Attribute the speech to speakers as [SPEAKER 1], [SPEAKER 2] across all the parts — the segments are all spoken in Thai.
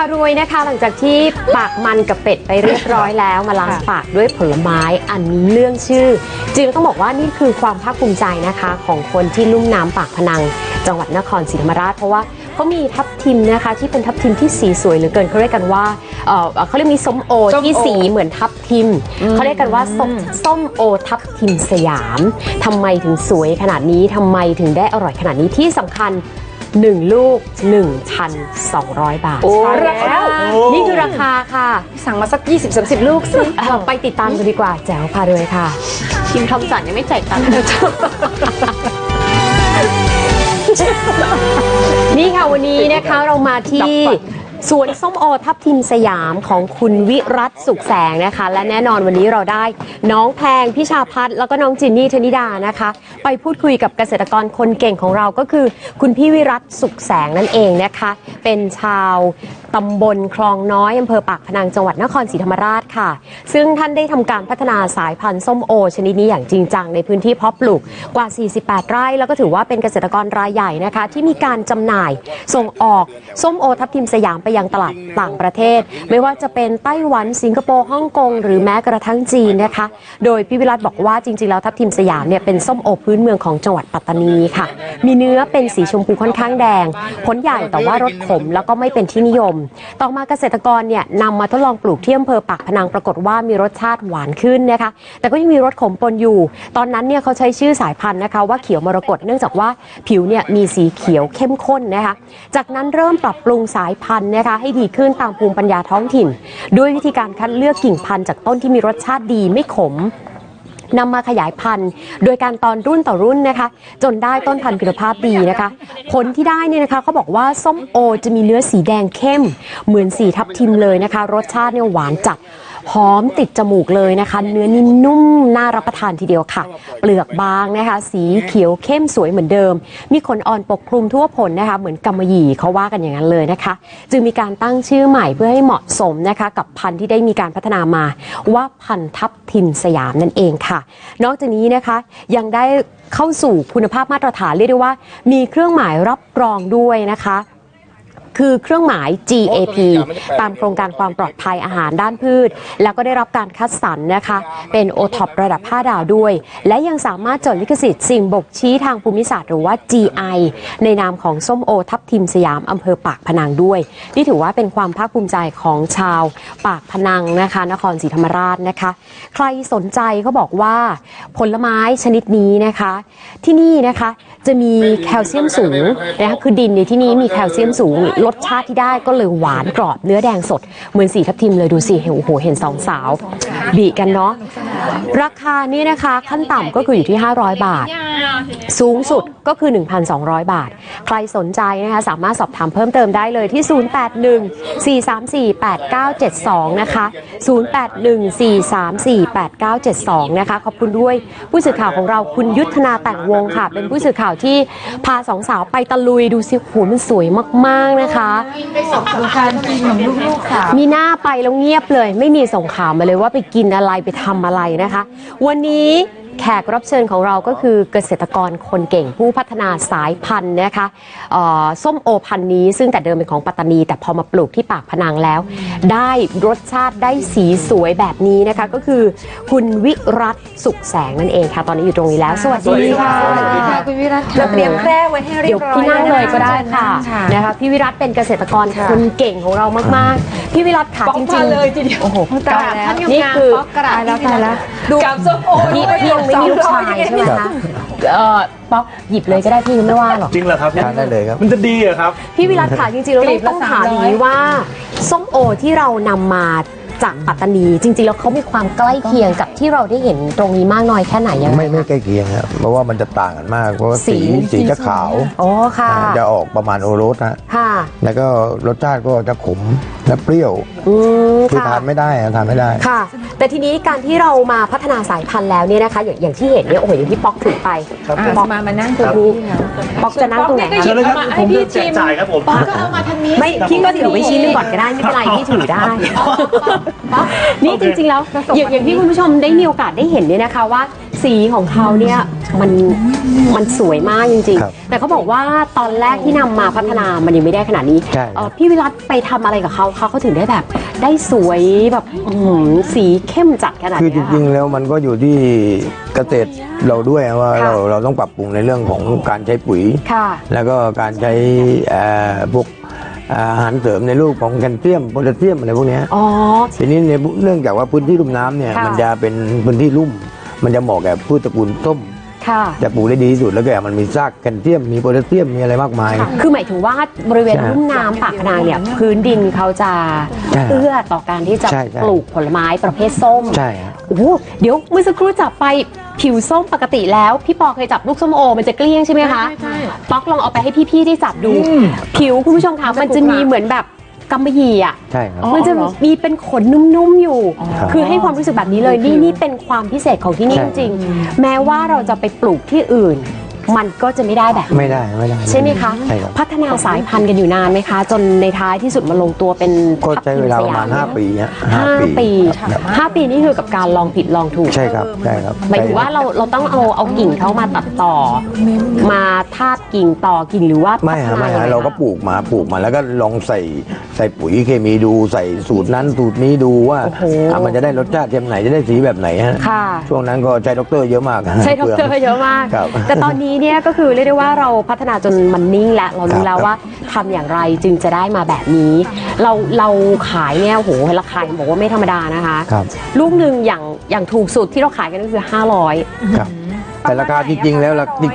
[SPEAKER 1] ารวยนะคะหลังจากที่ปากมันกับเป็ดไปเรียบร้อยแล้วมาล้างปากด้วยผลไม้อันเรื่องชื่อจริงต้องบอกว่านี่คือความภาคภูมิใจนะคะของคนที่ลุ่มน้ำปากพนังจังหวัดนครศรีธรรมราชเพราะว่าเขามีทับทิมนะคะที่เป็นทับทิมที่สีสวยเหลือเกินเขาเรียกกันว่าเขาเรียกมีส้มโอที่สีเหมือนทับทิมเขาเรียกกันว่าส้มโอทับทิมสยามทำไมถึงสวยขนาดนี้ทำไมถึงได้อร่อยขนาดนี้ที่สำคัญ1 ลูก 1,200 บาทแล้วนี่คือราคาค่ะ
[SPEAKER 2] สั่งมาสัก 20-30 ลูกสิ
[SPEAKER 1] ไปติดตามกันดีกว่าแจ๋วพารวยค่ะ
[SPEAKER 2] ทีมทอมสันยังไม่จ่ายตังค์
[SPEAKER 1] นี่ค่ะวันนี้นะคะเรามาที่สวนส้มโอทับทิมสยามของคุณวิรัตสุขแสงนะคะและแน่นอนวันนี้เราได้น้องแพงพิชาพัฒน์แล้วก็น้องจินนี่ธนิดานะคะไปพูดคุยกับเกษตรกรคนเก่งของเราก็คือคุณพี่วิรัตสุขแสงนั่นเองนะคะเป็นชาวตำบลคลองน้อยอำเภอปากพนังจังหวัดนครศรีธรรมราชค่ะซึ่งท่านได้ทำการพัฒนาสายพันธุ์ส้มโอชนิดนี้อย่างจริงจังในพื้นที่เพาะปลูกกว่า48 ไร่แล้วก็ถือว่าเป็นเกษตรกรรายใหญ่นะคะที่มีการจำหน่ายส่งออกส้มโอทับทิมสยามไปยังตลาดต่างประเทศไม่ว่าจะเป็นไต้หวันสิงคโปร์ฮ่องกงหรือแม้กระทั่งจีนนะคะโดยพี่วิรัตบอกว่าจริงๆแล้วทับทิมสยามเนี่ยเป็นส้มโอพื้นเมืองของจังหวัดปัตตานีค่ะมีเนื้อเป็นสีชมพูค่อนข้างแดงผลใหญ่แต่ว่ารสขมแล้วก็ไม่เป็นที่นิยมต่อมาเกษตรกรเนี่ยนำมาทดลองปลูกที่อำเภอปากพนังปรากฏว่ามีรสชาติหวานขึ้นนะคะแต่ก็ยังมีรสขมปนอยู่ตอนนั้นเนี่ยเขาใช้ชื่อสายพันธุ์นะคะว่าเขียวมรกตเนื่องจากว่าผิวเนี่ยมีสีเขียวเข้มข้นนะคะจากนั้นเริ่มปรับปรุงสายพันธุ์นะคะให้ดีขึ้นตามภูมิปัญญาท้องถิ่นด้วยวิธีการคัดเลือกกิ่งพันธุ์จากต้นที่มีรสชาติดีไม่ขมนำมาขยายพันธุ์โดยการตอนรุ่นต่อรุ่นนะคะจนได้ต้นพันธุ์คุณภาพดีนะคะผลที่ได้เนี่ยนะคะเขาบอกว่าส้มโอจะมีเนื้อสีแดงเข้มเหมือนสีทับทิมเลยนะคะรสชาติเนี่ยหวานจัดหอมติดจมูกเลยนะคะเนื้อนิ่มนุ่มน่ารับประทานทีเดียวค่ะเปลือกบางนะคะสีเขียวเข้มสวยเหมือนเดิมมีขนอ่อนปกคลุมทั่วผลนะคะเหมือนกำมะหยี่เขาว่ากันอย่างนั้นเลยนะคะจึงมีการตั้งชื่อใหม่เพื่อให้เหมาะสมนะคะกับพันธุ์ที่ได้มีการพัฒนามาว่าพันธุ์ทับทิมสยามนั่นเองค่ะนอกจากนี้นะคะยังได้เข้าสู่คุณภาพมาตรฐานเรียกได้ว่ามีเครื่องหมายรับรองด้วยนะคะคือเครื่องหมาย GAP ตามโครงการความปลอดภัยอาหารด้านพืชแล้วก็ได้รับการคัดสรรนะคะเป็น OTOP ระดับ5 ดาวด้วยและยังสามารถจดลิขสิทธิ์สิ่งบ่งชี้ทางภูมิศาสตร์หรือว่า GI ในนามของส้มโอทับทิมสยามอำเภอปากพนังด้วยนี่ถือว่าเป็นความภาคภูมิใจของชาวปากพนังนะคะนครศรีธรรมราชนะคะใครสนใจเขาบอกว่าผลไม้ชนิดนี้นะคะที่นี่นะคะจะมีแคลเซียมสูงนะคะคือดินในที่นี้มีแคลเซียมสูงรสชาติที่ได้ก็เลยหวานกรอบเนื้อแดงสดเหมือนสีทับทิมเลยดูสิโอ้โหเห็นสองสาวบีกันเนาะราคานี่นะคะขั้นต่ำก็คืออยู่ที่500 บาทสูงสุดก็คือ 1,200 บาทใครสนใจนะคะสามารถสอบถามเพิ่มเติมได้เลยที่ 0814348972 นะคะ0814348972 นะคะขอบคุณด้วยผู้สื่อข่าวของเราคุณยุทธนาแต่งวงค่ะเป็นผู้สื่อข่าวที่พาสองสาวไปตะลุยดูสิโหมันสวยมากๆนะคะ
[SPEAKER 2] ไปสอบดูการกินของลูกๆค่ะ
[SPEAKER 1] มีหน้าไปแล้วเงียบเลยไม่มีส่งข่าวมาเลยว่าไปกินอะไรไปทำอะไรนะคะวันนี้แขกรับเชิญของเราก็คือเกษตรกรคนเก่งผู้พัฒนาสายพันธุ์นะคะส้มโอพันธุ์นี้ซึ่งแต่เดิมเป็นของปัตตานีแต่พอมาปลูกที่ปากพนังแล้วได้รสชาติได้สีสวยแบบนี้นะคะก็คือคุณวิรัตสุขแสงนั่นเองค่ะตอนนี้อยู่ตรงนี้แล้วสวัสดีค่ะ
[SPEAKER 2] สวัสดีค่ะคุณวิรัตเราเตรียมแคร่ไว้ให้เรียบร้อย
[SPEAKER 1] เดี๋ยวพี่นั่งเลยก็ได้ค่ะนะคะพี่วิรัตเป็นเกษตรกรคนเก่งของเรามากๆพี่วิรัตค่ะจริงๆ
[SPEAKER 2] เลยทีเดียว
[SPEAKER 1] โอ้โห
[SPEAKER 2] ตายแล้ว
[SPEAKER 1] นี่คือ
[SPEAKER 2] ตายแล้วดูกับส้มโอ
[SPEAKER 1] พี่ยังไม่มีลูกชายใช่ไหมคะป๊อกหยิบเลยก็ได้พี่ไม่ว่าหรอก
[SPEAKER 3] จริงเหรอครับ
[SPEAKER 4] ทานได้เลยครับ
[SPEAKER 3] มันจะดีเหรอครับ
[SPEAKER 1] พี่วิรัตค่ะจริงๆเราต้องถามอย่างนี้ว่าส้มโอที่เรานำมาจากปัตตานีจริงๆแล้วเขามีความใกล้เคียงกับที่เราได้เห็นตรงนี้มากน้อยแค่ไหนยังไง
[SPEAKER 4] ไม่ใกล้เคียงครับเพราะว่ามันจะต่างกันมากเพราะว่าสีจะขาว
[SPEAKER 1] อ๋อค่ะ
[SPEAKER 4] จะออกประมาณโอรสนะ
[SPEAKER 1] ค่ะ
[SPEAKER 4] แล้วก็รสชาติก็จะขมและเปรี้ยวคือทานไม่ได้
[SPEAKER 1] ค่ะแต่ทีนี้การที่เรามาพัฒนาสายพันธุ์แล้วเนี่ยนะคะอย่างที่เห็นเนี่ยโอ้โหอย่างที่ป๊อกถือไป
[SPEAKER 2] ป๊อกมานั่งตรงนี้
[SPEAKER 1] ป๊อกจะนั่งตรงไหน
[SPEAKER 3] เชิญเลยครับผมจะแจกจ่ายครับผม
[SPEAKER 2] ป๊อกก็เอามาทางนี้
[SPEAKER 1] ไม่พี่ก็ถือไว้ชิ้นนึงก่อนก็ได้ไม่เป็นไรพี่ถือได้นี่จริงๆแล้วอย่างที่คุณผู้ชมได้มีโอกาสได้เห็นเนี่ยนะคะว่าสีสีของเขาเนี่ยมันสวยมากจริง
[SPEAKER 4] ครับ
[SPEAKER 1] ๆแต่เขาบอกว่าตอนแรกที่นำมาพัฒนามันยังไม่ได้ขนาดนี้
[SPEAKER 4] ใช่
[SPEAKER 1] พี่วิรัตไปทำอะไรกับเขาถึงได้แบบได้สวยแบบสีเข้มจัดขนาด
[SPEAKER 4] คือจ
[SPEAKER 1] เนี้ย
[SPEAKER 4] ริงๆแล้วมันก็อยู่ที่เกษตรเราด้วยว่า
[SPEAKER 1] ค่ะ
[SPEAKER 4] เราต้องปรับปรุงในเรื่องของการใช้ปุ๋ย
[SPEAKER 1] ค่ะ
[SPEAKER 4] แล้วก็การใช้พวกอาหารเสริมในรูปของแคลเซียมโพแทสเซียมอะไรพวกเนี้ย
[SPEAKER 1] อ๋อ
[SPEAKER 4] ทีนี้ในเนื่องจากว่าพื้นที่ลุ่มน้ำเนี่ย
[SPEAKER 1] ค่ะ
[SPEAKER 4] มันจะเป็นพื้นที่ลุ่ม มันจะเหมาะกับพืชตระกูลส้ม
[SPEAKER 1] ค่ะ
[SPEAKER 4] จะปลูกได้ดีที่สุดแล้วก็มันมีซากแคลเซียมมีโพแทสเซียมมีอะไรมากมาย
[SPEAKER 1] คือหมายถึงว่าบริเวณ
[SPEAKER 4] ใช่
[SPEAKER 1] ลุ่มน้ำปากพนังเนี่ยพื้นดินเขาจะ
[SPEAKER 4] ใช่
[SPEAKER 1] เอื้อต่อการที่จะ
[SPEAKER 4] ใช่
[SPEAKER 1] ปลูกผลไม้ประเภทส้ม
[SPEAKER 4] ใช่ฮะ
[SPEAKER 1] โอ้โหเดี๋ยวเมื่อสักครู่จับไปผิวส้มปกติแล้ว พี่ปอเคยจับลูกส้มโอมันจะเกลี้ยงใช่ไหมคะ
[SPEAKER 2] ใช่
[SPEAKER 1] ป๊อกลองเอาไปให้พี่ๆได้จับดู ผิวคุณผู้ชมคะมันจะมีเหมือนแบบกำมะหยี่อ่ะ
[SPEAKER 4] ใช่ครับ
[SPEAKER 1] มันจะมีเป็นขนนุ่มๆอยู่
[SPEAKER 4] ครับ
[SPEAKER 1] คือให้ความรู้สึกแบบนี้เลยนี่เป็นความพิเศษของที่นี่
[SPEAKER 4] ใช่
[SPEAKER 1] จริงๆแม้ว่าเราจะไปปลูกที่อื่น มันก็จะไม่ได้แบบนี้
[SPEAKER 4] ไม่ได้
[SPEAKER 1] ใช่ไหมคะ
[SPEAKER 4] ใช่ครับ
[SPEAKER 1] พัฒนาสายพันธุ์กันอยู่นานไหมคะ จนในท้ายที่สุดมาลงตัวเป็น
[SPEAKER 4] ก็ใช้เวลาประมาณ
[SPEAKER 1] ทับทิมสย
[SPEAKER 4] 5 ปีฮะ
[SPEAKER 1] ห้าปี
[SPEAKER 4] ครับ
[SPEAKER 1] 5 ปีนี่คือกับการลองผิดลองถูก
[SPEAKER 4] ใช่ครับใช่ครับ
[SPEAKER 1] หมายถึงว่าเราต้องเอากิ่งเขามาตัดต่อ มาทาบกิ่งต่อกิ่งหรือว่า
[SPEAKER 4] ไม่ฮะไม่
[SPEAKER 1] พัฒน
[SPEAKER 4] ฮะ
[SPEAKER 1] ยังง
[SPEAKER 4] เราก็
[SPEAKER 1] คะ
[SPEAKER 4] ปลูกมาแล้วก็ลองใส่ปุ๋ยเคมีดูใส่สูตรนั้นสูตรนี้ดูว่า
[SPEAKER 1] โอ้โห
[SPEAKER 4] มันจะได้รสชาติเทียมไหนจะได้สีแบบไหนฮะ
[SPEAKER 1] ค่ะ
[SPEAKER 4] ช่วงนั้นก็ใช้ด็อกเตอร์เยอะมากฮะ
[SPEAKER 1] ใช่ดอกเตอร์
[SPEAKER 4] ปลืง
[SPEAKER 1] เยอะมาก
[SPEAKER 4] ครับ
[SPEAKER 1] แต่ตอนนี้เนี่ยก็คือเรียกได้ว่าเราพัฒนาจนมันนิ่งแล้วเรารู้
[SPEAKER 4] ครับ
[SPEAKER 1] แล้วว่าทำอย่างไรจึงจะได้มาแบบนี้ เราขายเนี่ยโอ้โหราคาบอกว่าไม่ธรรมดานะคะ
[SPEAKER 4] ครับ
[SPEAKER 1] ลูกหนึ่งอย่างถูกสุดที่เราขายกันก็คือ 500
[SPEAKER 4] ครับแต่ราคาจริงๆแล้ว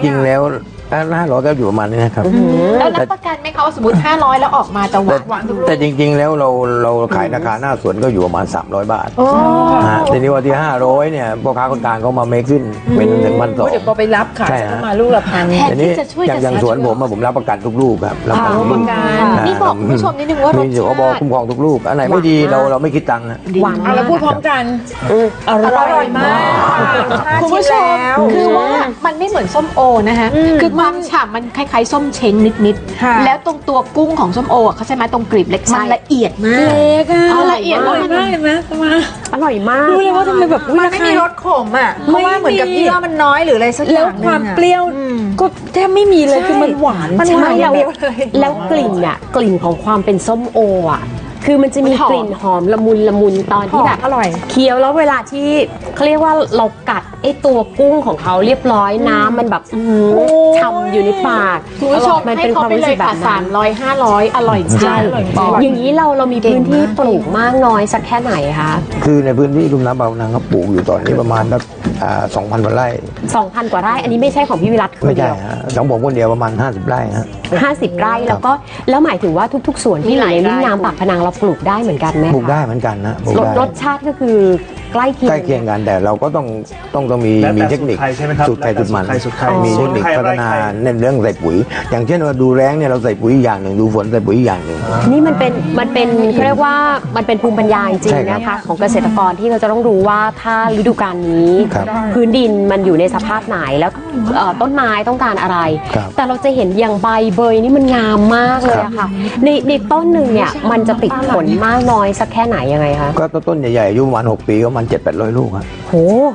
[SPEAKER 4] 500ก็อยู่ประมาณนี้นะครับ
[SPEAKER 2] แล้วรับประกันไหมคะว่าสมมติ 500 แล้วออกมาจะหวาน
[SPEAKER 4] แต่จริงๆแล้วเราขายราคาหน้าสวนก็อยู่ประมาณ300 บาทฮะทีนี้ว่าที่500เนี่ยพ่อค้าคนกลางเขามาเมคขึ้นเป็นถึง1,200
[SPEAKER 2] เดี๋ยวพอไปรับขาย
[SPEAKER 4] ใช่
[SPEAKER 2] ก็
[SPEAKER 4] ฮะ
[SPEAKER 2] มาลูกละพัน
[SPEAKER 1] แทน
[SPEAKER 4] ทีนี้
[SPEAKER 1] ที่จะช่วย
[SPEAKER 4] อย่างสวนผมอะผมรับประกันทุกลูกครับรับประกันทุกลูก
[SPEAKER 2] นี่บอกคุณผู้ชมนิดนึงว่ารส
[SPEAKER 4] มีอยู่
[SPEAKER 2] ชา
[SPEAKER 4] เขาบอก
[SPEAKER 2] ติ
[SPEAKER 4] คุ้มครองทุกลูกอันไหนไม่ดีเราไม่คิดตังค์นะ
[SPEAKER 1] หวาน
[SPEAKER 2] เอาแล้วพูดพร้อมกัน
[SPEAKER 1] อร่อยมาก
[SPEAKER 2] คุณผู้ชมคือว่ามันไม่เหมือนส้มโอนะคะคือความฉ่ำมันคล้ายๆส้มเช้งนิดๆแล้วตรงตัวกุ้งของส้มโออะเขาใช่ไหมตรงกลีบเล็กมันละเอียดมาก
[SPEAKER 1] เล็กอะ
[SPEAKER 2] ละเอียดมากเห็นไหมมา
[SPEAKER 1] อร่อยมาก
[SPEAKER 2] รู้เลยว่าทำไมแบบ
[SPEAKER 5] มันไม่มีรสขมอ่ะ เพราะว่าเหมือนกับเยื่อมันน้อยหรืออะไรสักอ
[SPEAKER 2] แล้ว
[SPEAKER 5] ย่างหนึ่ง
[SPEAKER 2] ความ
[SPEAKER 5] อะ
[SPEAKER 2] เปรี้ยวก็แทบไม่มีเลยคือมันหวาน
[SPEAKER 5] มันหวาน
[SPEAKER 1] ใช่
[SPEAKER 5] อย่าง
[SPEAKER 1] แล้ว
[SPEAKER 5] เดียวเลย
[SPEAKER 1] แล้วกลิ่นอ่ะกลิ่นของความเป็นส้มโออ่ะคือมันจะมีกลิ่นหอมละมุนตอนที่แบบ
[SPEAKER 5] อร่อย
[SPEAKER 1] เคี้ยวแล้วเวลาที่เขาเรียกว่าเรากัดไอ้ตัวกุ้งของเขาเรียบร้อยน้ำมันแบบฉ่ำอยู่ในปาก
[SPEAKER 2] คุณผู้ชม
[SPEAKER 1] มัน
[SPEAKER 2] ให้
[SPEAKER 1] เป็นค
[SPEAKER 2] เขา
[SPEAKER 1] วาม
[SPEAKER 2] ไป
[SPEAKER 1] รู้
[SPEAKER 2] เล
[SPEAKER 1] สึ
[SPEAKER 2] ย
[SPEAKER 1] กแบ
[SPEAKER 2] ค่ะ
[SPEAKER 1] บนั้น
[SPEAKER 2] 300 500 อร่อยจริง
[SPEAKER 1] ใช่อย่างนี้เรามีพื้นที่ปลูกมากน้อยสักแค่ไหนคะ
[SPEAKER 4] คือในพื้นที่ลุ่มน้ำบางนางเขาปลูกอยู่ตอนนี้ประมาณสัก2,000 กว่าไร่
[SPEAKER 1] 2,000 กว่าไร่อันนี้ไม่ใช่ของพี่วิรัตคน
[SPEAKER 4] ไม่
[SPEAKER 1] เดี
[SPEAKER 4] ใช่
[SPEAKER 1] ยว
[SPEAKER 4] ฮะของผมคนเดียวประมาณ50 ไร่ฮะ
[SPEAKER 1] 50 ไร่แล้วหมายถึงว่าทุกๆสวนที่อยู่ในลุ่มน้ำปากพนังเราปลูกได้เหมือนกันไหมคะ
[SPEAKER 4] ปลูกได้เหมือนกันนะปลูกได้
[SPEAKER 1] รสชาติก็คือใกล้เคียง
[SPEAKER 4] ใกล้เคียงกันแต่เราก็ต้องมี
[SPEAKER 3] แล้วแต่
[SPEAKER 4] มีเทคนิค
[SPEAKER 3] สูตรใครใช่ไหมครับ
[SPEAKER 4] สูตรใครสูตรมัน
[SPEAKER 3] แล้วแต่สูตรใคร
[SPEAKER 4] มีเทคนิค
[SPEAKER 3] สูตรใคร
[SPEAKER 4] พัฒนา
[SPEAKER 3] ไร่ใคร
[SPEAKER 4] ในเรื่องใส่ปุ๋ย อย่างเช่นว่าดูแรงเนี่ยเราใส่ปุ๋ยอย่างหนึ่งดูฝนใส่ปุ๋ยอย่างหนึ่ง
[SPEAKER 1] นี่มันเป็นเขาเรียกว่ามันเป็นภูมิปัญญาจริง
[SPEAKER 4] ใช่
[SPEAKER 1] ๆ
[SPEAKER 4] ครับ
[SPEAKER 1] นะคะของเกษตรกรที่เราจะต้องรู้ว่าถ้าฤดูกาลนี้
[SPEAKER 4] ครับ
[SPEAKER 1] พื้นดินมันอยู่ในสภาพไหนแล้วต้นไม้ต้องการอะไร
[SPEAKER 4] ครับ
[SPEAKER 1] แต่เราจะเห็นอย่างใบเบยนี่มันงามมากเลยอะค่ะในต้นหนึ่งเนี่ยมันจะติดผลมากน้อยสักแค่ไหนยังไงคะ
[SPEAKER 4] ก็ต้นใหญ่ๆอายุประมาณ6 ปีก็ประมาณ700-800 ลูกครับ
[SPEAKER 1] โห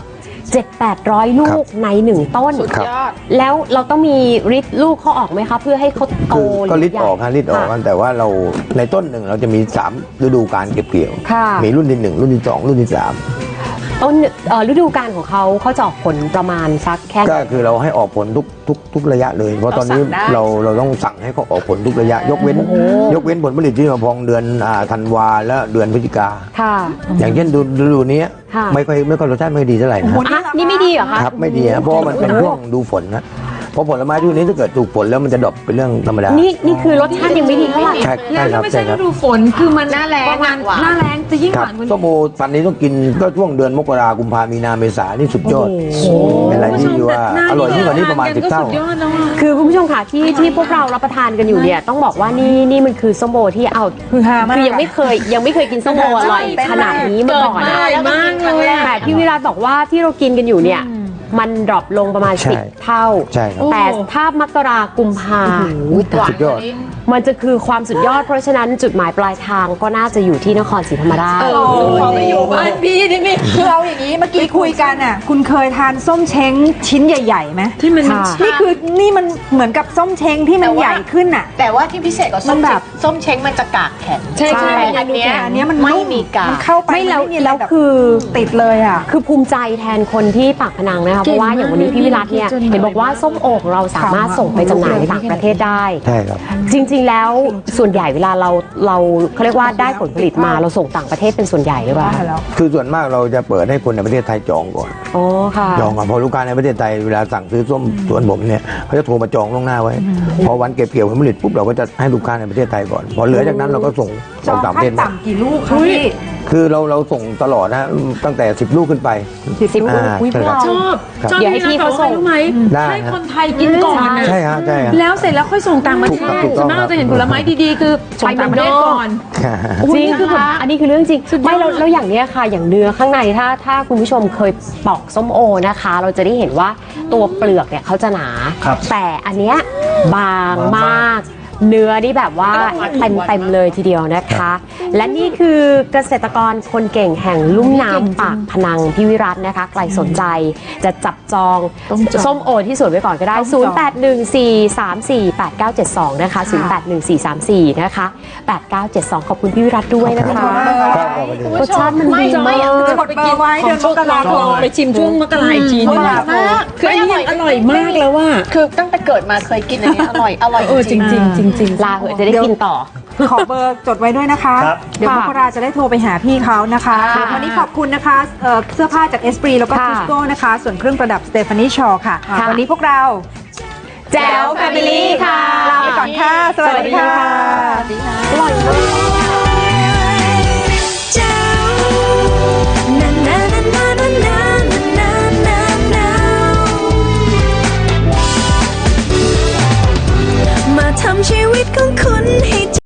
[SPEAKER 1] 700-800 ลูกในหนึ่งต้น
[SPEAKER 4] ครับ
[SPEAKER 1] แล้วเราต้องมีริดลูกเขาออกไหมคะเพื่อให้เขาโต
[SPEAKER 4] คือก็ลิดออกฮะลิดออกกันแต่ว่าเราในต้นหนึ่งเราจะมี3ฤดูการเก็บเกี่ยว
[SPEAKER 1] ค่ะ
[SPEAKER 4] มีรุ่นที่1รุ่นที่2รุ่นที่3
[SPEAKER 1] ต้นฤดูกาลของเขาจะออกผลประมาณสักแค่ไหน
[SPEAKER 4] ก็คือเราให้ออกผลทุกระยะเลย เพราะตอนนี้เราต้องสั่งให้เขาออกผลทุกระยะ ยกเว้นผลผลิตที่มาพองเดือนธันวาและเดือนพฤศจิกา
[SPEAKER 1] ค่ะ
[SPEAKER 4] อย่างเช่นฤดูนี้
[SPEAKER 1] ค่ะ
[SPEAKER 4] ไม่ค่อยรสชาติไม่ดีเท่าไหร่นะ
[SPEAKER 1] อ่ะนี่ไม่ดีเหรอคะ
[SPEAKER 4] ครับไม่ดีนะเพราะว่ามันเป็นช่วงดูฝนนะเพราะผลไม้ช่วงนี้ถ้าเกิดถูกฝนแล้วมันจะดรอปเป็นเรื่องธรรมดา
[SPEAKER 1] นี่คือรสชาติยังไม่ดีเท่าไหร่
[SPEAKER 4] ใช่
[SPEAKER 2] แล้ว
[SPEAKER 4] ครับ
[SPEAKER 2] ไม่ใช่
[SPEAKER 4] ค
[SPEAKER 2] ฤ
[SPEAKER 4] รับ
[SPEAKER 2] ดูฝนคือมัน
[SPEAKER 5] หน้าแล้ง
[SPEAKER 2] ประมาณ
[SPEAKER 5] หวาน
[SPEAKER 2] หน้าแรงจะยิ่ง
[SPEAKER 4] ค
[SPEAKER 2] ห
[SPEAKER 4] รับ
[SPEAKER 2] วานกว่า
[SPEAKER 4] ส้มโอปันนี้ต้องกินก็ช่วงเดือนมกรากุมภามีนาเมษานี่สุดยอดเป็นอะไรที่ว่าอร่อยยิ่งกว่านี้ประมาณ10 เท่า
[SPEAKER 2] สุดยอดแล้วอะ
[SPEAKER 1] คือคุณผู้ชมค่ะที่พวกเรารับประทานกันอยู่เนี่ยต้องบอกว่านี่มันคือส้มโอที่เอา
[SPEAKER 5] คือฮามาก
[SPEAKER 1] คือยังไม่เคยกินส้มโออร่อยขนาดนี้มาก่อนนะ
[SPEAKER 2] เกิดมาเลยมากเลยอะ
[SPEAKER 1] แต่พี่วิรัตบอกว่าที่เรากินกันอยู่เนี่ยมันดรอปลงประมาณ
[SPEAKER 4] ใช่
[SPEAKER 1] 10 เท่า
[SPEAKER 4] ใช่ครับ
[SPEAKER 1] แต่ถ้ามกรากุมภา
[SPEAKER 4] สุดยอด
[SPEAKER 1] มันจะคือความสุดยอดเพราะฉะนั้นจุดหมายปลายทางก็น่าจะอยู่ที่นครศรีธรรมราช
[SPEAKER 2] ขอไปอยู่บ้านพี่นี่นี่
[SPEAKER 5] คือเอาอย่างนี้เมื่อกี้คุยกันอ่ะคุณเคยทานส้มเช้งชิ้นใหญ่ๆไหม
[SPEAKER 2] ที่มัน
[SPEAKER 1] ค่ะ
[SPEAKER 5] นี่มันเหมือนกับส้มเช้งที่มันใหญ่ขึ้นอ่ะ
[SPEAKER 2] แต่ว่าที่พิเศษกว่าส้ม
[SPEAKER 5] มันแบบ
[SPEAKER 2] ส้มเช้งมันจะกากแข็ง
[SPEAKER 1] ใช่ใช่
[SPEAKER 2] แต่อันเนี้ย
[SPEAKER 5] อันเนี้ยมัน
[SPEAKER 2] ไม่
[SPEAKER 5] นุ่
[SPEAKER 2] มีกาก
[SPEAKER 5] มันเข้าไป
[SPEAKER 1] ไม่แล้ว
[SPEAKER 5] นมีะไร
[SPEAKER 1] แล้ว
[SPEAKER 5] บบ
[SPEAKER 1] คือ
[SPEAKER 5] ติดเลยอ่ะ
[SPEAKER 1] คือภูมิใจแทนคนที่ปากพนังนะคะเพราะว่าอย่างวันนี้พี่วิรัตเนี่ยเห็นบอกว่าส้มโอของเราสามารถส่งไปจำหน่ายในต่างประเทศได้
[SPEAKER 4] ใช่ครับ
[SPEAKER 1] จริงๆแล้วส่วนใหญ่เวลาเราเขาเรียกว่าได้ผลผลิตมาเราส่งต่างประเทศเป็นส่วนใหญ่หรือเปล่า
[SPEAKER 4] คือส่วนมากเราจะเปิดให้คนในประเทศไทยจองก่อน
[SPEAKER 1] อ๋อค่ะ
[SPEAKER 4] จองก่อนพอลูกค้าในประเทศไทยเวลาสั่งซื้อส้มสวนผมเนี่ยเขาจะโทรมาจองล่วงหน้าไว้ พอวันเก็บเกี่ยวผลผลิตปุ๊บเราก็จะให้ลูกค้าในประเทศไทยก่อน พอเหลือจากนั้นเราก็ส่ง
[SPEAKER 5] จอง
[SPEAKER 4] ต่างประ
[SPEAKER 5] ขั้
[SPEAKER 4] เท
[SPEAKER 5] น
[SPEAKER 4] ศมา
[SPEAKER 5] ต่ำกี่ลูกคะพี่
[SPEAKER 4] คือเราส่งตลอดนะตั้งแต่ 10 ลูกขึ้นไป
[SPEAKER 1] 10 ลูก
[SPEAKER 4] ใช่ครับ
[SPEAKER 6] ชอบ
[SPEAKER 4] ครับ
[SPEAKER 6] ชอบ
[SPEAKER 1] เดี๋ยวให้พี่เขาส่ง
[SPEAKER 6] รู้ไหม
[SPEAKER 4] ได้
[SPEAKER 6] ให้
[SPEAKER 4] ฮะ
[SPEAKER 6] คนไทยกินก่อนนะ
[SPEAKER 4] ใช่ฮะใช่ฮะ
[SPEAKER 6] แล้วเสร็จแล้วค่อยส่งต่างประเทศ
[SPEAKER 4] ถูกต้อง
[SPEAKER 6] ส่วนมากเราจะเห็นผลไม้ดีๆ คือส่งต่างประเทศก่อน
[SPEAKER 1] จริงคือแบบอันนี้คือเรื่องจริง
[SPEAKER 6] สุดยอด
[SPEAKER 1] ไม่แล้วอย่างเนี้ยค่ะ อย่างเนื้อข้างในถ้าคุณผู้ชมเคยปอกส้มโอนะคะ เราจะได้เห็นว่าตัวเปลือกเนี่ยเขาจะหนา
[SPEAKER 3] ครับ
[SPEAKER 1] แต่อันเนี้ยบางมาก เนื้อนี่แบบว่าเต็มเลยทีเดียวนะคะ และนี่คือเกษตรกรคนเก่งแห่งลุ่มน้ำปากพนังพี่วิรัตนะคะใครสนใจจะจับจองส้มโอที่สวนไว้ก่อนก็ได้ 0814348972 นะคะ 081434 นะคะ 8972 ขอบคุณพี่วิรัตด้วยนะคะ
[SPEAKER 4] ครับขอบคุณ
[SPEAKER 1] รสชาติมันดีมาก
[SPEAKER 5] กดเบอร์ไว้เดือนมกราคม
[SPEAKER 6] ไปชิมช่วงมกราอีกทีนึง
[SPEAKER 2] อร่อยมาก
[SPEAKER 6] คืออันนี้ยังอร่อยมากแล้วว่า
[SPEAKER 2] คือตั้งแต่เกิดมาเคยกินอันนี้อร่อยจริง
[SPEAKER 6] จริง
[SPEAKER 1] ลาเหอะจะได้กินต่อ
[SPEAKER 5] ขอเบอร์จดไว้ด้วยนะคะ
[SPEAKER 3] ครับ
[SPEAKER 5] เดี๋ยวมกราจะได้โทรไปหาพี่เขานะคะ
[SPEAKER 1] ค่ะ
[SPEAKER 5] วันนี้ขอบคุณนะคะเสื้อผ้าจากเอสปรีแล้วก็
[SPEAKER 1] ค่ะ
[SPEAKER 5] ทิสโก้นะคะ ส่วนเครื่องประดับสเตฟานีชอค่ะ
[SPEAKER 1] ค่ะ
[SPEAKER 5] วันนี้พวกเรา
[SPEAKER 1] แจ๋วแฟมิลี่ค่ะ
[SPEAKER 5] ลาไปก่อนค่ะ สวัสดีค่ะ
[SPEAKER 1] อร่อยมาก
[SPEAKER 7] มาทำชีวิตของคุณให้